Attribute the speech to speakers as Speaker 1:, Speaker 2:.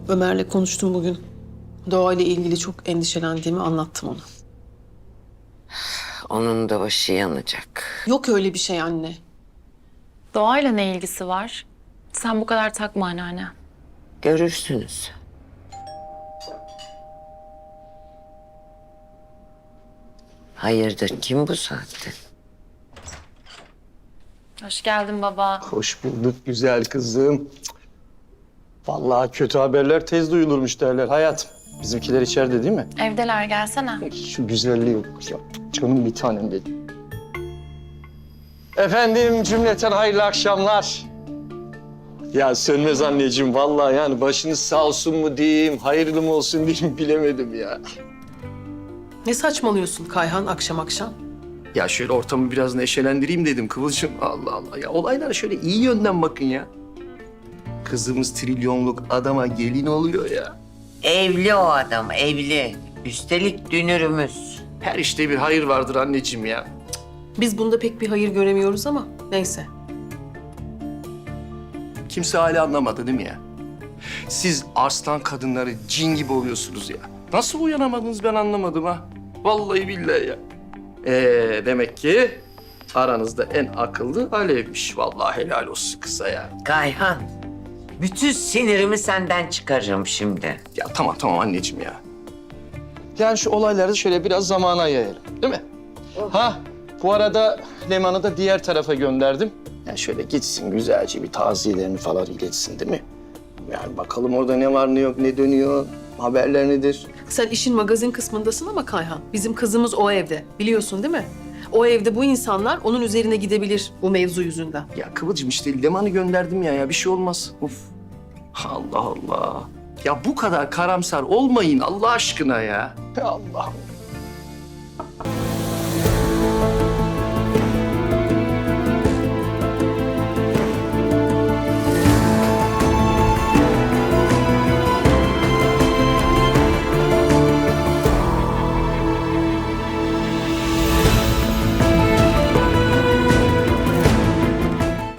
Speaker 1: Ömer'le konuştum bugün. Doğa ile ilgili çok endişelendiğimi anlattım ona.
Speaker 2: Onun da başı yanacak.
Speaker 1: Yok öyle bir şey anne.
Speaker 3: Doğayla ne ilgisi var? Sen bu kadar takma anneanne.
Speaker 2: Görürsünüz. Hayırdır, kim bu saatte?
Speaker 3: Hoş geldin baba.
Speaker 4: Hoş bulduk güzel kızım. Vallahi kötü haberler tez duyulurmuş derler hayatım. Bizimkiler içeride değil mi?
Speaker 3: Evdeler, gelsene.
Speaker 4: Şu güzelliği bak ya. Canım bir tanem benim. Efendim cümleten hayırlı akşamlar. Ya Sönmez anneciğim vallahi yani başınız sağ olsun mu diyeyim, hayırlı mı olsun diyeyim bilemedim ya.
Speaker 1: Ne saçmalıyorsun Kayhan akşam akşam?
Speaker 4: Ya şöyle ortamı biraz neşelendireyim dedim Kıvılcım. Allah Allah ya olaylara şöyle iyi yönden bakın ya. Kızımız trilyonluk adama gelin oluyor ya.
Speaker 2: Evli o adam, evli. Üstelik dünürümüz.
Speaker 4: Her işte bir hayır vardır anneciğim ya.
Speaker 1: Biz bunda pek bir hayır göremiyoruz ama neyse.
Speaker 4: Kimse hala anlamadı değil mi ya? Siz arslan kadınları cin gibi oluyorsunuz ya. Nasıl uyanamadınız ben anlamadım ha. Vallahi billahi ya. Demek ki aranızda en akıllı Alev'miş. Vallahi helal olsun kıza ya.
Speaker 2: Kayhan, bütün sinirimi senden çıkarırım şimdi.
Speaker 4: Ya tamam anneciğim ya. Yani şu olayları şöyle biraz zamana yayalım değil mi? Ha bu arada Leman'ı da diğer tarafa gönderdim. Yani şöyle gitsin güzelce bir taziyelerini falan iletsin değil mi? Yani bakalım orada ne var ne yok ne dönüyor, haberler nedir?
Speaker 1: Sen işin magazin kısmındasın ama Kayhan. Bizim kızımız o evde. Biliyorsun değil mi? O evde bu insanlar onun üzerine gidebilir bu mevzu yüzünden.
Speaker 4: Ya Kıvılcım işte Leman'ı gönderdim ya bir şey olmaz. Of. Allah Allah. Ya bu kadar karamsar olmayın Allah aşkına ya. Ya Allah'ım.